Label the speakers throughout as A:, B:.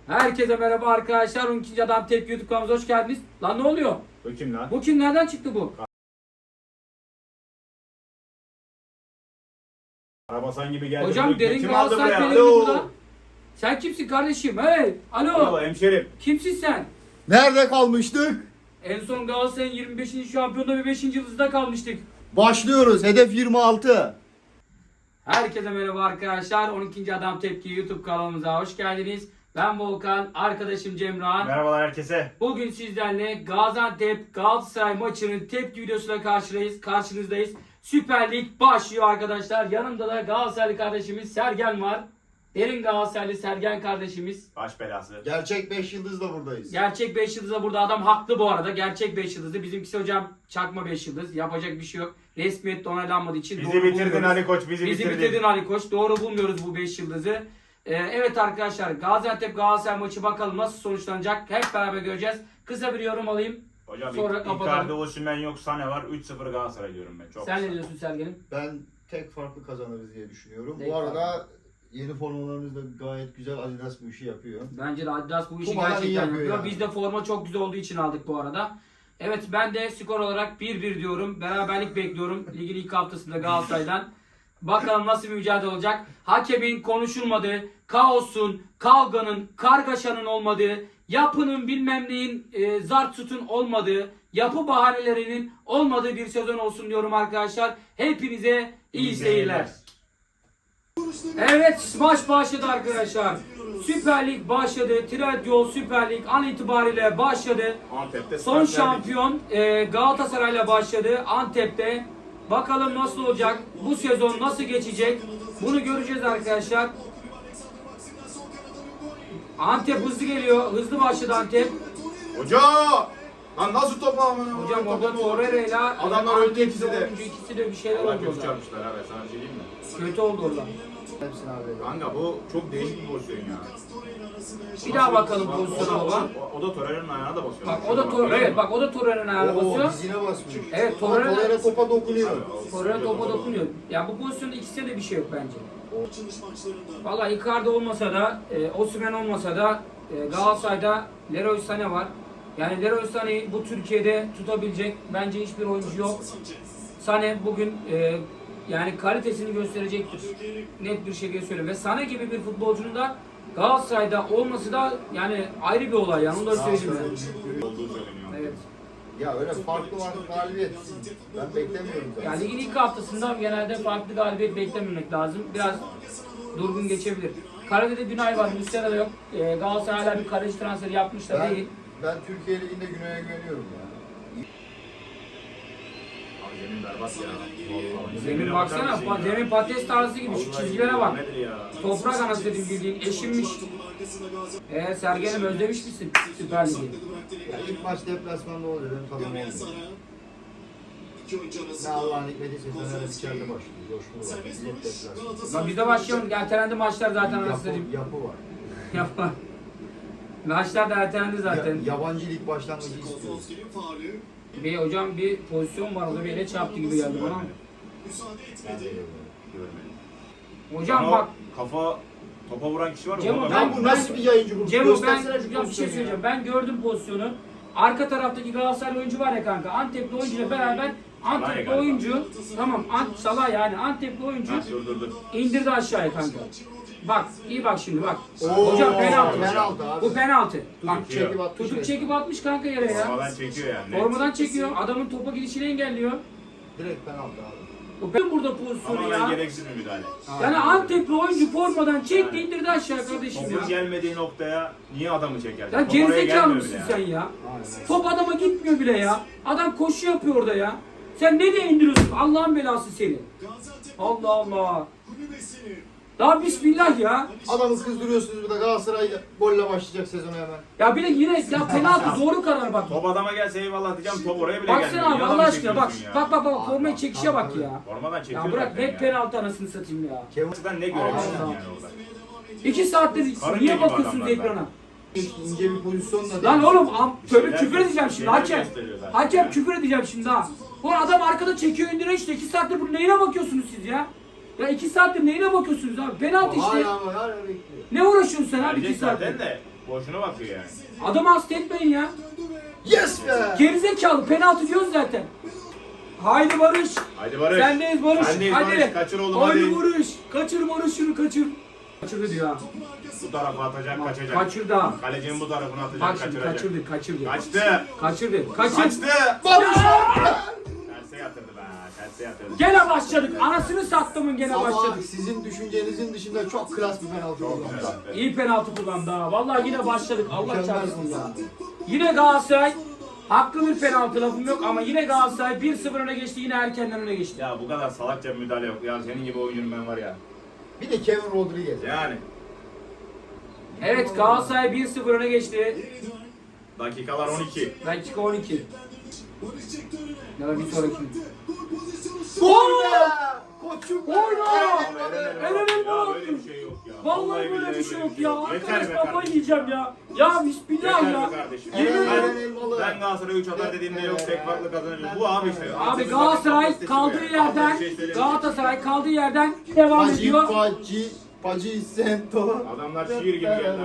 A: Herkese merhaba arkadaşlar. 12. Adam Tepki YouTube kanalımıza hoş geldiniz. Lan ne oluyor?
B: Bu kim lan?
A: Bu kim? Nereden çıktı bu?
B: Arabasan gibi geldi.
A: Hocam derin
B: Kim aldı
A: Galatasaray
B: buraya?
A: pelerini
B: Alo.
A: burada. Sen kimsin kardeşim? Hey! Alo!
B: Alo hemşerim.
A: Kimsin sen?
C: Nerede kalmıştık?
A: En son Galatasaray'ın 25. şampiyonluğu ve 5. yıldızda kalmıştık.
C: Başlıyoruz. Hedef 26.
A: Herkese merhaba arkadaşlar. 12. Adam Tepki YouTube kanalımıza hoş geldiniz. Ben Volkan, arkadaşım Cemran.
B: Merhabalar herkese.
A: Bugün sizlerle Gaziantep Galatasaray maçının tepki videosuyla karşınızdayız. Süper Lig başlıyor arkadaşlar. Yanımda da Galatasaraylı kardeşimiz Sergen var. Derin Galatasaraylı Sergen kardeşimiz.
B: Baş belası.
C: Gerçek 5 yıldızla buradayız.
A: Gerçek 5 yıldızda burada adam haklı bu arada. Gerçek 5 yıldızı. Bizimkisi hocam çakma 5 yıldız. Yapacak bir şey yok. Resmiyette onaylanmadığı için
B: Bizi
A: doğru
B: bitirdin
A: bulmuyoruz.
B: Ali Koç, bizi
A: bitirdin Ali Koç. Doğru bulmuyoruz bu 5 yıldızı. Evet arkadaşlar, Gaziantep Galatasaray maçı bakalım nasıl sonuçlanacak. Hep beraber göreceğiz. Kısa bir yorum alayım.
B: Hocam
A: Sonra
B: Icardi,
A: kapatalım.
B: Osimhen yok, Sane var. 3-0 Galatasaray diyorum ben. Çok
A: Sen
B: kısa.
A: ne diyorsun Sergen'im?
C: Ben tek farklı kazanırız diye düşünüyorum.
A: Tek
C: Bu arada yeni formalarımız da gayet güzel. Adidas bu işi yapıyor.
A: Bence de Adidas bu işi
C: Kumalar iyi
A: gerçekten
C: yapıyor
A: yapıyor.
C: yani.
A: Biz de forma çok güzel olduğu için aldık bu arada. Evet, ben de skor olarak 1-1 diyorum. Beraberlik bekliyorum ligin ilk haftasında Galatasaray'dan. Bakalım nasıl bir mücadele olacak. Hakemin konuşulmadığı, kaosun, kavganın, kargaşanın olmadığı, yapının bilmem neyin zart tutun olmadığı, yapı bahanelerinin olmadığı bir sezon olsun diyorum arkadaşlar. Hepinize iyi seyirler. Evet, maç başladı arkadaşlar. Süper Lig başladı. Trendyol Süper Lig an itibariyle başladı.
B: Antep'te
A: Son
B: start verdik.
A: şampiyon Galatasaray'la başladı Antep'te. Bakalım nasıl olacak? Bu sezon nasıl geçecek? Bunu göreceğiz arkadaşlar. Antep hızlı geliyor. Hızlı başladı Antep.
B: Hoca! Lan nasıl toplama?
A: Hocam orada Torreira'yla
B: Adamlar öldü ikisi de.
A: oyuncu ikisi de bir şeyler
B: Allah
A: oldu
B: kötü
A: orada.
B: çarpmışlar abi, sana bir şey diyeyim mi?
A: Kötü oldu orada.
C: Hepsini abi.
B: Kanka bu çok değişik bir pozisyon ya.
A: Bir daha bakalım
B: Bak,
A: pozisyona baba.
B: O da Torreira'nın ayağına da basıyor.
A: Bak o da Torreira. Evet bak o da Torreira'nın ayağına
C: Oo,
A: basıyor.
C: dizine basmış.
A: Evet,
C: Ama Torreira topa dokunuyor.
A: Torreira topa dokunuyor. Ya bu pozisyonda ikisinde de bir şey yok bence. Vallahi Icardi olmasa da, Osimhen olmasa da Galatasaray'da Leroy Sané var. Yani Leroy Sané'yi bu Türkiye'de tutabilecek bence hiçbir oyuncu yok. Sané bugün yani kalitesini gösterecektir. Net bir şekilde söylüyorum. Ve Sané gibi bir futbolcunun da Galatasaray'da olması da yani ayrı bir olay yani. Onu da söyleyeyim ben.
B: Olduğu söyleniyor.
A: Evet.
C: Ya öyle farklı var galibiyet. Ben beklemiyorum zaten.
A: Yani ligin ilk haftasında genelde farklı galibiyet beklememek lazım. Biraz durgun geçebilir. Karade'de Günay var, Muslera da yok. Galatasaray hala bir kaleci transferi yapmış da değil.
C: Ben Türkiye Ligi'nde Güney'e güveniyorum ya.
B: Abi zemin berbat ya. Vallahi.
A: Zemin
B: bakar
A: baksana,
B: mısın ya?
A: zemin patates tarzı gibi, şu
B: Vallahi
A: çizgilere bak.
B: nedir ya?
A: Toprak anası dedim bildiğin, eşinmiş. Sergen'im özlemiş misin Süper Lig'i?
C: Ya ilk maç deplasmanda oldu dedim tadım oldu. Ne Allah'ın hikmeti Fener'e içeride başlıyor. Coşkulu var. Millet deplasman.
A: Lan biz de başlayalım, ertelendi maçlar zaten anası dedim.
C: Yapı var.
A: Yapma. Maçlar da ertelendi zaten.
C: Yabancı lig başlangıcı istiyoruz.
A: Bir hocam bir pozisyon var, orada bir ele çarptı gibi geldi bana.
C: Ben de görmedim.
B: Görmedim.
A: Hocam
B: Ama
A: bak,
B: topa vuran kişi var mı?
A: Cemo,
B: Orada
C: Ya bu nasıl bir yayıncı bu?
A: Cemo ben
C: Göstersene şu
A: hocam bir şey
C: pozisyonu ya.
A: söyleyeceğim. Ben gördüm pozisyonu. Arka taraftaki Galatasaray oyuncu var ya kanka. Antepli oyuncuyla beraber Antepli
B: galiba.
A: oyuncu tamam Salah yani Antepli oyuncu
B: Ha, dur.
A: indirdi aşağıya kanka. Bak iyi bak şimdi bak.
C: Oo,
A: Hocam penaltı.
C: penaltı abi.
A: Bu penaltı. Bak
C: Tutup çekip atmış.
A: tutup çekip atmış kanka yere ya.
B: Formadan çekiyor yani.
A: Formadan çekiyor. Adamın topa gidişini engelliyor.
C: Direkt penaltı abi.
A: Bu ben burada pozisyonu
B: Tamamen
A: ya.
B: gereksiz bir müdahale.
A: Yani Antepli oyuncu formadan çekti indirdi aşağı kardeşim
B: Topun
A: ya.
B: gelmediği noktaya niye adamı çeker?
A: Ya
B: Top oraya
A: gerizekalı
B: gelmiyor
A: mısın
B: bile
A: sen
B: yani.
A: ya?
C: Aynen.
A: Top adama gitmiyor bile ya. Adam koşu yapıyor orada ya. Sen ne diye indiriyorsun? Allah'ın belası seni. Allah Allah. Daha bismillah ya.
C: Adamı kızdırıyorsunuz bir de Galatasaray golle başlayacak sezona hemen.
A: Ya bir de yine ya penaltı doğru karar bak.
B: Top adama gelse eyvallah diyeceğim, top oraya bile gelmiyor.
A: Baksana abi
B: Niye
A: Allah
B: adamı
A: aşkına bak.
B: çekiyorsun ya?
A: Bak formayı çekişe bak ya.
B: Formadan çekiyor
A: Ya bırak
B: zaten
A: net
B: ya.
A: penaltı anasını satayım ya.
B: Açıdan ne görebilirsin
A: Allah.
B: yani orada?
A: 2 saattir
B: Karınca
A: niye
B: gibi
A: bakıyorsunuz
B: adamlar
A: ekrana?
C: İnce bir pozisyonla
A: Lan oğlum tövbe
B: Şeyler-
A: küfür edeceğim şimdi
B: şeyler
A: hakem.
B: gösteriyor zaten
A: Hakem
B: ya.
A: küfür edeceğim şimdi ha. Bu adam arkada çekiyor indire işte 2 saattir bu neyine bakıyorsunuz siz ya? Ya 2 saattir neyine bakıyorsunuz abi? Penaltı işte.
C: Hala bekliyor.
A: Ne uğraşıyorsun sen abi 2
B: Verecek
A: saattir?
B: zaten de. Boşuna bakıyor yani.
A: Adamı hasta etmeyin ya.
C: Yes be!
A: Gerizekalı penaltı diyoruz zaten. Haydi Barış.
B: Haydi Barış.
A: Sendeyiz Barış.
B: Sendeyiz
A: Hadi.
B: Barış. Kaçır oğlum
A: Haydi
B: hadi.
A: Barış. Kaçır Barış şunu kaçır. Kaçırdı diyor ha.
B: Bu tarafa atacak, kaçacak.
A: Kaçırdı ha.
B: Kalecinin bu tarafına atacak,
A: Bak şimdi
B: kaçıracak.
A: kaçırdı.
B: Kaçtı.
A: Kaçırdı. Kaçır.
B: Kaçtı.
C: Barış!
B: Terse yatırdı be. Terse yatırdı.
A: Gene başladık. Anasını sattımın gene
C: Ama
A: başladık.
C: sizin düşüncenizin dışında çok klas bir penaltı
B: Çok
C: oldu.
B: güzel.
A: İyi penaltı kullandı ha. Vallahi yine başladık. Allah
C: Mükemmel
A: çarpsın ya.
C: ya.
A: Yine Galatasaray haklı bir penaltı lafım yok ama yine Galatasaray 1-0 öne geçti. Yine erkenden öne geçti.
B: Ya bu kadar salakça bir müdahale yok. Ya senin gibi oyuncunun ben var ya.
C: Bir de Kevin Rodriguez.
B: Yani.
A: Evet Galatasaray 1-0 öne geçti.
B: Dakikalar 12.
A: Dakika 12. Ya da bir sonraki.
C: Gol be! Koçum be!
A: Oyna!
B: Helal
A: Helal
B: ya,
A: olsun.
B: böyle bir şey yok ya.
A: Vallahi böyle bir şey yok ya.
B: Yeter
A: Arkadaş
B: be
A: kafayı
B: kardeşim.
A: yiyeceğim ya. Ya bismillah
B: Yeter
A: ya.
B: be kardeşim.
A: Yemin
C: Helal
A: ederim.
C: Elmalı.
B: Ben Galatasaray 3 atar dediğimde yok tek farklı kazanacağız. Bu abi işte.
A: Abi Galatasaray kaldığı yerden Galatasaray kaldığı yerden devam
C: Pacı,
A: ediyor.
C: Pacı Sento.
B: Adamlar şiir gibi geldi.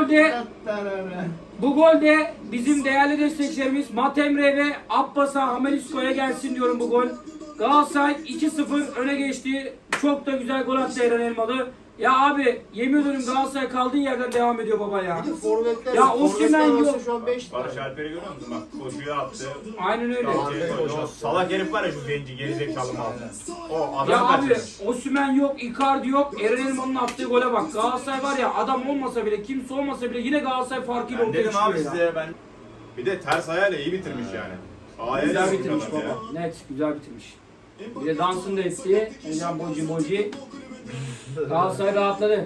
A: Bu golde bizim değerli destekçilerimiz Matemre ve Abbas'a Hamelisko'ya gelsin diyorum bu gol. Galatasaray 2-0 öne geçti. Çok da güzel gol attı Eren Elmalı. Ya abi yemin ediyorum Galatasaray kaldığı yerden devam ediyor baba ya.
C: Bir de forvetler.
A: Ya Osimhen yok.
C: arası şu an 5
B: Barış Alper'i görüyor musun? Bak koşuya attı.
A: Aynen öyle.
B: O salak herif var ya şu genci gerizekalı mal. O adam
A: Ya abi
B: kaçırmış.
A: Osimhen yok, Icardi yok. Eren Elmalı'nın attığı gole bak. Galatasaray var ya adam olmasa bile, kimse olmasa bile yine Galatasaray farkıyla
B: Ben
A: ortaya
B: dedim abi
A: çıkıyor ya.
B: size ben. Bir de ters ayağıyla iyi bitirmiş yani. Ayağıyla
A: Güzel
B: iyi
A: bitirmiş
B: adam ya.
A: baba. Net güzel bitirmiş. Bir de dansını da etti. Hocam Boji. Galatasaray rahatladı.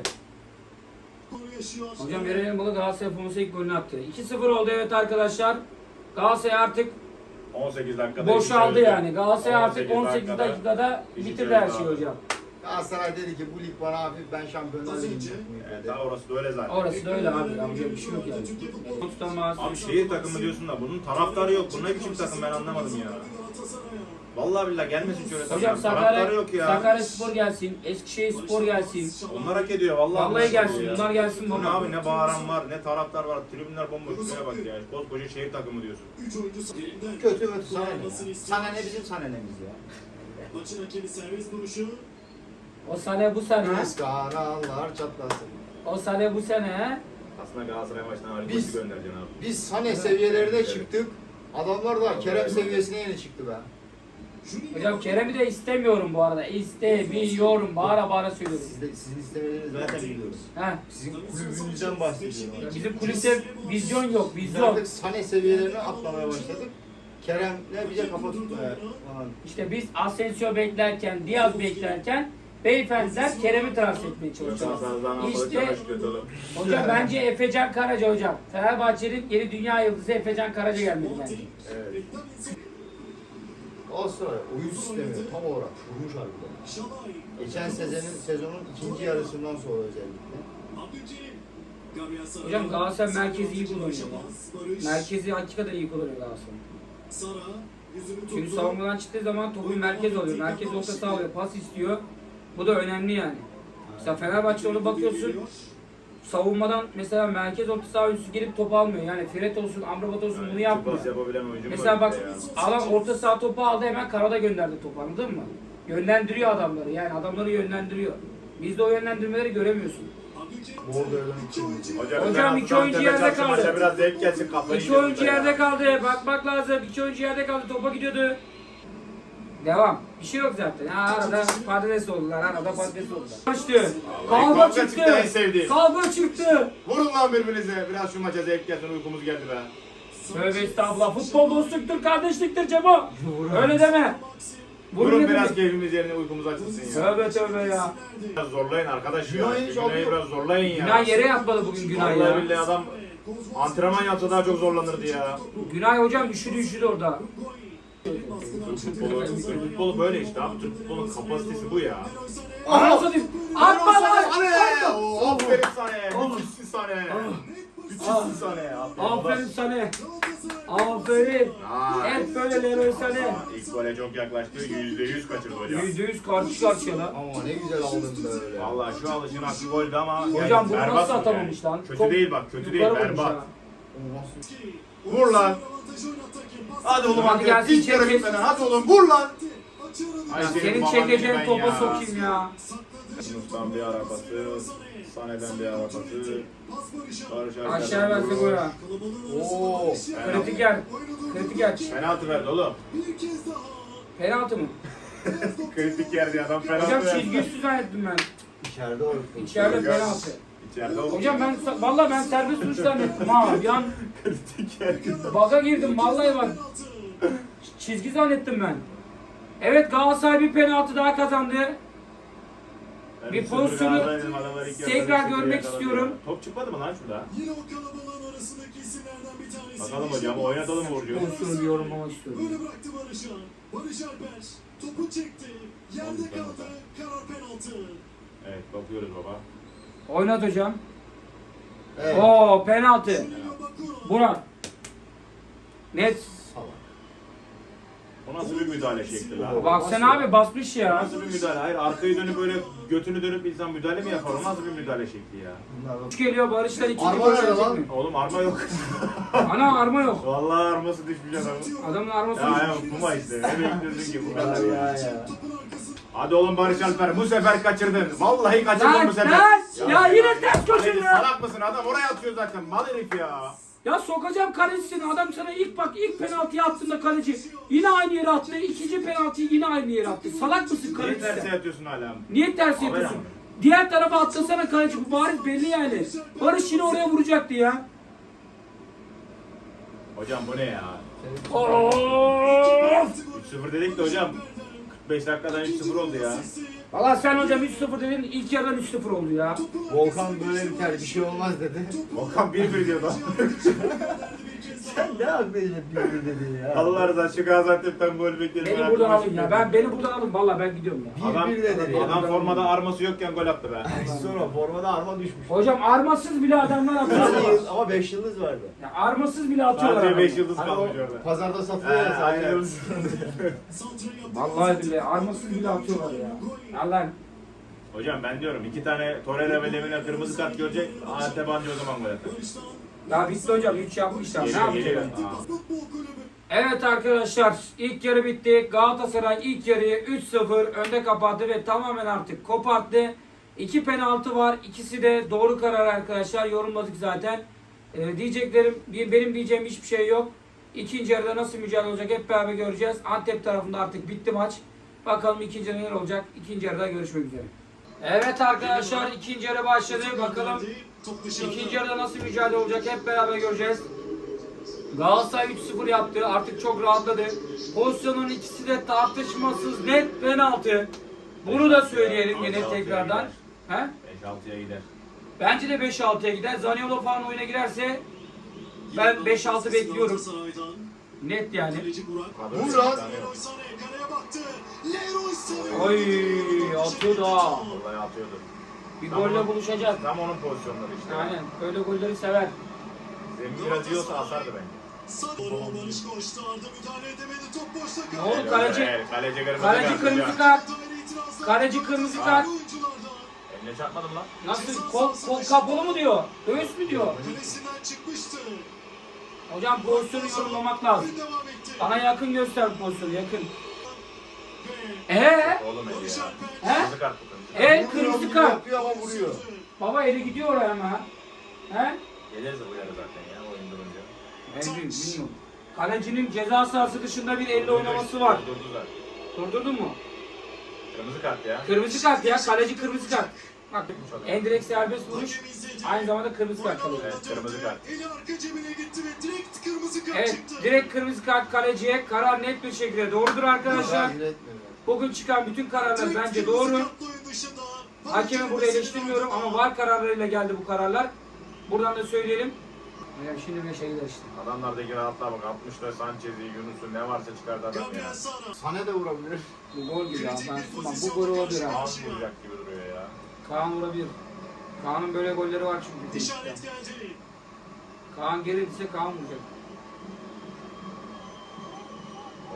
A: Hocam Eren Elmalı Galatasaray Fonsa ilk golünü attı. 2-0 oldu evet arkadaşlar. Galatasaray artık
B: 18 dakikada.
A: boşaldı
B: iki
A: yani. Galatasaray artık 18 dakikada
B: iki
A: bitirdi her
B: çeyrek
A: şeyi
B: aldı.
A: hocam.
C: Galatasaray dedi ki bu lig bana hafif ben Şampiyonlar Ligi'nde
B: Evet, daha orası da öyle zaten.
A: Orası da öyle abi. Yapacak bir şey yok yani. Tutamaz.
B: Abi şehir takımı diyorsun da bunun taraftarı yok. Bu ne biçim takım ben anlamadım ya. Vallahi billahi gelmesin şöyle takım.
A: Hocam
B: Taraftarı yok ya.
A: Sakaryaspor gelsin, Eskişehirspor gelsin.
B: Onlar hak ediyor vallahi.
A: Vallahi gelsin,
B: Ya.
A: bunlar gelsin
B: Bu ne
A: baba.
B: abi ne bağıran var ne taraftar var. Tribünler bomboş. Şuraya bak ya. Koskoca şehir takımı diyorsun.
C: kötü sana ne? Sana ne bizim sana nemiz ya.
D: Maçın hakemi serbest vuruşu.
A: O sene bu sene,
C: Biz kanallar çatlasın.
A: o sene bu sene.
B: Aslında Galatasaray maçına Ali
C: Biz-
B: Koç'u göndereceksin abi.
C: Biz Sane seviyelerine çıktık. Adamlar da Kerem seviyesine yeni çıktı be.
A: Hocam Kerem'i de istemiyorum bu arada. İstemiyorum. Bağıra bağıra söylüyorum.
C: Sizin istemediğinizi zaten biliyoruz.
A: He.
C: Sizin kulübünüzden bahsediyorum.
A: Ya bizim kulüpte vizyon yok,
C: Biz
A: vizyon.
C: artık Sane seviyelerine atlamaya başladık. Kerem'le bize kafa tutmaya falan.
A: İşte biz Asensio beklerken, Diaz beklerken beyefendiler Kerem'i transfer etmeye çalışıyorlar. İşte hocam bence Efecan Karaca hocam. Fenerbahçe'nin yeni dünya yıldızı Efecan Karaca gelmedi bence.
B: Evet.
C: Galatasaray oyun sistemi tam olarak kurmuş harbiden. Geçen sezonun ikinci yarısından sonra özellikle.
A: Hocam Galatasaray merkezi iyi kullanıyor. Merkezi hakikaten iyi kullanıyor Galatasaray. Çünkü savunmadan çıktığı zaman topu merkez alıyor. Merkez orta saha alıyor. Pas istiyor. Bu da önemli yani. Mesela Fenerbahçe onu bakıyorsun. Savunmadan mesela merkez orta saha oyuncusu gelip top almıyor. Yani Fred olsun, Amrabat olsun bunu yapmıyor.
B: Pas yapabilen oyuncu
A: Mesela
B: var
A: bak
B: işte ya.
A: alan orta saha topu aldı hemen karada gönderdi topu anladın mı? Yönlendiriyor adamları yani adamları yönlendiriyor. Bizde o yönlendirmeleri göremiyorsun.
C: Bordo'dan için.
A: Hocam iki oyuncu yerde kaldı.
B: Maça biraz zevk gelsin kafayı.
A: İki oyuncu yerde kaldı. Bakmak lazım. İki oyuncu yerde kaldı. Topa gidiyordu. Devam. Bir şey yok zaten. Ha, arada patates oldular. Arada patates oldular. Açtı. Kavga
B: kavga çıktı, en
A: çıktı.
B: sevdiğim.
A: Kavga çıktı.
B: Vurun lan birbirinize. Biraz şu maça zevk gelsin uykumuz geldi be.
A: Tövbe estağfurullah. Futbol dostluktur, kardeşliktir Cemo. Öyle deme.
B: Vurun
A: dedim.
B: biraz keyfimiz yerine uykumuz açılsın ya.
A: Tövbe ya.
B: Biraz zorlayın arkadaş ya.
C: Günay'ı hiç
B: Günay'ı
C: alıyor.
B: biraz zorlayın ya.
A: Günay yere yatmadı bugün Günay
B: Vallahi
A: ya.
B: billahi adam antrenman yapsa daha çok zorlanırdı ya.
A: Günay hocam üşüdü orada.
B: Türk futbolu böyle işte abi. Türk futbolunun kapasitesi bu ya.
A: Anam satayım. Atma lan.
B: Aferin sana. Müthişsin sana. Müthişsin sana.
A: Aferin sana. Aferin.
B: Aa,
A: Hep böyle Leroy Sané.
B: İlk gole çok yaklaştı. %100 kaçırdı hocam.
A: %100 karşı karşıya lan.
C: Ama ne güzel aldın böyle.
B: Vallahi şu alışın hakkı goldü ama
A: Hocam bunu
B: berbat
A: nasıl
B: mı
A: atamamış lan?
B: Kötü
A: Çok
B: değil bak, kötü değil,
A: yukarı vurmuş
B: berbat.
A: ha.
B: Vur lan. Hadi oğlum
A: Hadi
B: hadi
A: gelsin,
B: ilk yarı
A: çek.
B: bitmeden hadi oğlum vur lan. Ay
A: Ya
B: senin
A: senin
B: baban
A: çekeceğin
B: ben
A: topa
B: ya.
A: sokayım ya.
B: Yunus'tan bir arabası, Sané'den bir arabası, Barış Alper.
A: Aşağı verse gol ha.
C: Oo.
A: Kritik yer. Kritik yer.
B: Penaltı verdi oğlum.
A: Penaltı mı?
B: Kritik yer diye adam penaltı
A: Hocam
B: verdi.
A: çizgi üstü zannettim ben.
C: İçeride var.
A: İçeride
B: Hocam.
A: penaltı.
B: İçeride oldu.
A: Hocam ben vallahi ben serbest vuruş zannettim ha. Bir an
B: kritik yer.
A: baga girdim vallahi bak. Çizgi zannettim ben. Evet Galatasaray bir penaltı daha kazandı. Bir pozisyonu tekrar görmek istiyorum.
B: Top çıkmadı mı lan şurada?
D: Yine o kalabalığın arasındaki isimlerden bir tanesi.
B: Bakalım hocam oynatalım Burcu.
A: Pozisyonu yorumlamak istiyorum.
D: Böyle bıraktı Barış'a. Barış Alper topu çekti. Yerde kaldı. Karar penaltı.
B: Evet bakıyoruz baba.
A: Oynat hocam.
C: Evet.
A: Oo penaltı.
D: Lina Bakura.
A: Burak. Net.
C: Salak.
B: O nasıl bir müdahale şekli lan?
A: Baksana abi basmış
B: O
A: ya.
B: nasıl bir müdahale? Hayır arkayı dönüp böyle götünü dönüp insan müdahale mi yapar? O nasıl bir müdahale şekli ya?
C: Bunlar da-
A: Üç geliyor Barış'tan ikinci
C: Arma
A: gol
C: nerede
A: gelecek
C: lan?
A: mi?
B: Oğlum arma yok.
A: Ana arma yok.
B: Vallahi arması düşmüş adamın.
A: Adamın arması
B: Ya
A: yok.
B: ya Puma işte. Ne bekliyorsun ki bu kadar
C: Ya
B: ya?
C: ya.
B: Hadi oğlum Barış Alper bu sefer kaçırdın. Vallahi kaçırdın
A: Lan
B: bu sefer.
A: lan! Ya yine ters
B: Kaleci
A: köşe
B: salak mısın? Adam oraya atıyor zaten. Mal herif ya.
A: Ya sokacağım kalecisin. Adam sana ilk penaltıyı attığında kaleci yine aynı yere attı. İkinci penaltıyı yine aynı yere attı. Salak mısın
B: Niye
A: kaleci
B: terse
A: sen?
B: yatıyorsun hala?
A: Niye ters
B: Haber
A: yapıyorsun?
B: ama.
A: Diğer tarafa atlasana kaleci. Bu bariz belli yani. Barış yine oraya vuracaktı ya.
B: Hocam bu ne ya?
A: Of!
B: 3-0 dedik de hocam. 45 dakikadan 3-0 oldu ya.
A: Valla sen hocam 3-0 dedin. İlk yarıdan 3-0 oldu ya.
C: Volkan böyle biter bir şey olmaz dedi.
B: Volkan 1-1 diyordu.
C: Sen ne aklıyla bir dedin ya.
B: Allah razı olsun şu Gaziantep'ten gol bekledim.
A: Beni buradan alın ya. Beni buradan alın. Valla ben gidiyorum ya.
B: Adam,
C: Bir dedi ya.
B: adam formada arması yokken gol attı be.
C: Sonra formada arma düşmüş.
A: Hocam armasız bile adamlar atıyorlar.
C: Ama 5 yıldız vardı.
A: Ya armasız bile atıyorlar.
B: Sadece 5
A: adamlar.
B: yıldız
C: Hani o
B: kalmış orada.
C: pazarda satılıyor ya
B: Aynen.
C: sadece.
A: Vallahi billahi armasız bile atıyorlar ya. Allah.
B: Hocam ben diyorum 2 tane Torreira ve Lemina kırmızı kart görecek. Antep anca o zaman gol atar.
A: Ya bitti hocam 3 yapmışlar. Ne
B: Geliyor geliyor.
A: yapacaklar?
B: Aa.
A: Evet arkadaşlar ilk yarı bitti. Galatasaray ilk yarıyı 3-0 önde kapattı ve tamamen artık koparttı. 2 penaltı var. İkisi de doğru karar arkadaşlar. Yorumladık zaten. Benim diyeceğim hiçbir şey yok. İkinci yarıda nasıl mücadele olacak hep beraber göreceğiz. Antep tarafında artık bitti maç. Bakalım ikinci yarıda neler olacak. İkinci yarıda görüşmek üzere. Evet arkadaşlar ikinci yarı başladı. Bakalım ikinci yarıda nasıl mücadele olacak hep beraber göreceğiz. Galatasaray 3-0 yaptı. Artık çok rahatladı. Pozisyonun ikisi de tartışmasız net penaltı. Bunu da söyleyelim yine tekrardan. He?
B: 5-6'ya gider.
A: Bence de 5-6'ya gider. Zaniolo falan oyuna girerse ben 5-6 bekliyorum. Net yani.
C: Vur lan.
D: Leroy Sané kaleye baktı. Leroy Sané.
A: Oy atıyordu ha.
B: Vallahi atıyordu.
A: Bir golle buluşacak.
B: Tam onun pozisyonları işte.
A: Aynen. Böyle golleri sever.
B: Zemin biraz yiyorsa asardı bence.
D: Sané Barış koştu. Arda müdahale edemedi. Top boşta
A: Ne
D: kaldı.
A: oldu kaleci?
B: Evet, kaleci kırmızı
A: Kaleci
B: kart
A: kırmızı
B: hocam.
A: kart.
D: Daire itirazlar.
A: Kaleci kırmızı kart.
D: Oyunculardan.
B: Eline çarpmadım lan.
A: Nasıl? Kol kapalı mı diyor? Göğüs mü diyor?
D: Kalesinden çıkmıştı.
A: Hocam pozisyonu yorumlamak lazım.
D: Oyun devam etti.
A: Bana yakın göster pozisyonu yakın.
D: Ve
B: Oğlum eli
D: Barış
B: ya.
D: Alper.
A: He?
B: Kırmızı kart bu kırmızı.
A: El kırmızı kart.
C: Yapıyor ama vuruyor.
A: Baba eli gidiyor oraya ama. He?
B: Geliriz de uyarı zaten ya oyun durunca.
A: Ben bilmiyorum. Kalecinin ceza sahası dışında bir elle oynaması var.
B: Durdu zaten.
A: Durdurdun mu?
B: Kırmızı kart ya.
A: Kırmızı kart ya. Kaleci kırmızı kart. Bak en direkt serbest vuruş. Aynı zamanda kırmızı kart kalıyor.
B: Evet, kırmızı kart.
D: Eli arka cebine gitti ve direkt kırmızı kart
A: Evet
D: çıktı.
A: direkt kırmızı kart kaleciye. Karar net bir şekilde doğrudur arkadaşlar.
C: Müdahale etmiyor.
A: Bugün çıkan bütün kararlar
D: Direkt
A: bence
D: kırmızı
A: doğru.
D: kartla oyun dışında.
A: Hakemi burada eleştirmiyorum ama VAR kararlarıyla geldi bu kararlar. Buradan da söyleyelim. Hocam şimdi 5'e gider işte.
B: Adamlardaki rahatlığa bak. 60'da Sanchez'i, Yunus'u ne varsa çıkardı adam ya.
D: Gabriel Sara.
C: Sana da vurabilir.
A: Bu gol gibi ya. Ben sunmam. Bu gol olabilir ha.
B: Ağız vuracak gibi duruyor ya.
A: Kaan vurabilir. Kaan'ın böyle golleri var çünkü.
D: İşaret geldi.
A: Kaan gelirse Kaan vuracak.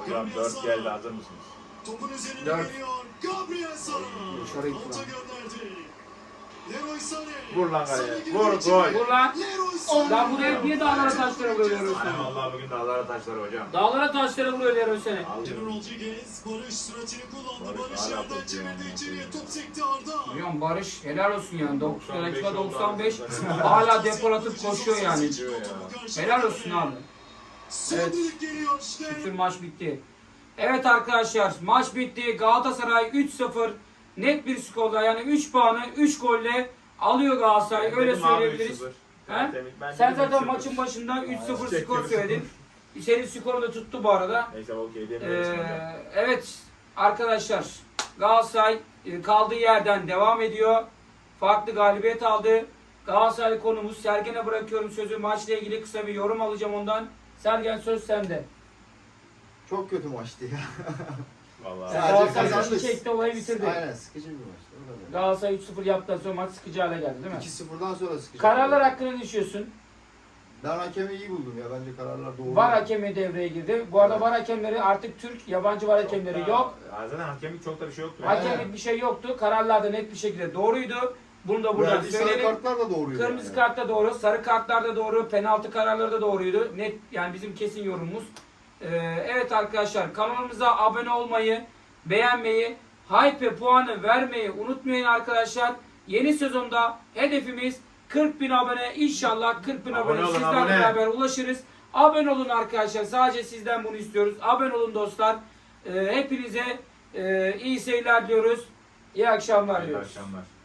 B: Hocam 4 geldi, hazır mısınız?
D: Topun üzerine
C: Dört.
D: geliyor. Gabriel Sara.
C: Dışarı gitti
D: Alta
C: lan.
D: gönderdi. Leroy Sané.
B: Vur lan kaleye.
D: Sané girdi
B: Vur,
D: içeri.
B: gol.
A: Vur lan.
D: Leroy Sané.
A: Lan buraya niye dağlara taşlara vuruyoruz?
B: Aynen vallahi bugün dağlara taşlar hocam.
A: Dağlara taşlara vuruyor Leroy Sané.
D: Junior Rodriguez, Barış süratini kullandı.
B: Barış
D: Barış
B: hala
D: yerden
B: topu
D: çevirdi
B: ya.
D: içeriye. Top sekti Arda.
A: Hocam Barış helal olsun yani. 90 dakika 95
B: oldu.
A: hala depol atıp koşuyor yani.
B: Diyor ya.
A: Helal olsun abi.
D: Son
A: Evet.
D: düdük geliyor işte.
A: Şükür maç bitti. Evet arkadaşlar maç bitti. Galatasaray 3-0 net bir skorla yani 3 puanı 3 golle alıyor Galatasaray. Öyle
B: Dedim abi
A: söyleyebiliriz.
B: 3-0.
A: He?
B: Ben
A: Sen
B: dedim
A: zaten
B: 3-0.
A: maçın başında 3-0
B: Çektim.
A: skor söyledin. Senin skorun da tuttu bu arada.
B: Neyse okey demiyorum şimdi.
A: Evet arkadaşlar Galatasaray kaldığı yerden devam ediyor. Farklı galibiyet aldı. Galatasaray konumuz. Sergen'e bırakıyorum sözü. Maçla ilgili kısa bir yorum alacağım ondan. Sergen söz sende.
C: Çok kötü maçtı ya.
B: Vallahi.
C: Sadece
A: Galatasaray
C: kazandık.
A: çekti olayı bitirdi.
C: Aynen, sıkıcı bir maçtı. O kadar.
A: Galatasaray 3-0 yaptıktan sonra maç sıkıcı hale geldi değil mi?
C: 2-0'dan sonra sıkıcı.
A: Kararlar hakkında ne düşünüyorsun?
C: Ben hakemi iyi buldum ya. Bence kararlar doğru.
A: VAR hakemi devreye girdi. Bu arada VAR hakemleri artık Türk, yabancı VAR hakemleri yok.
B: Zaten hakemlik çok da bir şey yoktu.
A: Hakemlik bir şey yoktu. Kararlar da net bir şekilde doğruydu. Bunu da buradan
C: Verdiği sarı
A: söyleyelim.
C: kartlar da doğruydu.
A: Kırmızı
C: yani.
A: kart da doğru, sarı kartlar da doğru, penaltı kararları da doğruydu. Net yani bizim kesin yorumumuz. Evet arkadaşlar kanalımıza abone olmayı, beğenmeyi, hype puanı vermeyi unutmayın arkadaşlar. Yeni sezonda hedefimiz 40.000 abone. İnşallah 40.000
B: Abone
A: abone
B: olun,
A: sizlerle
B: abone.
A: beraber ulaşırız. Abone olun arkadaşlar. Sadece sizden bunu istiyoruz. Abone olun dostlar. Hepinize iyi seyirler diyoruz. İyi akşamlar
B: İyi
A: diyoruz.
B: akşamlar.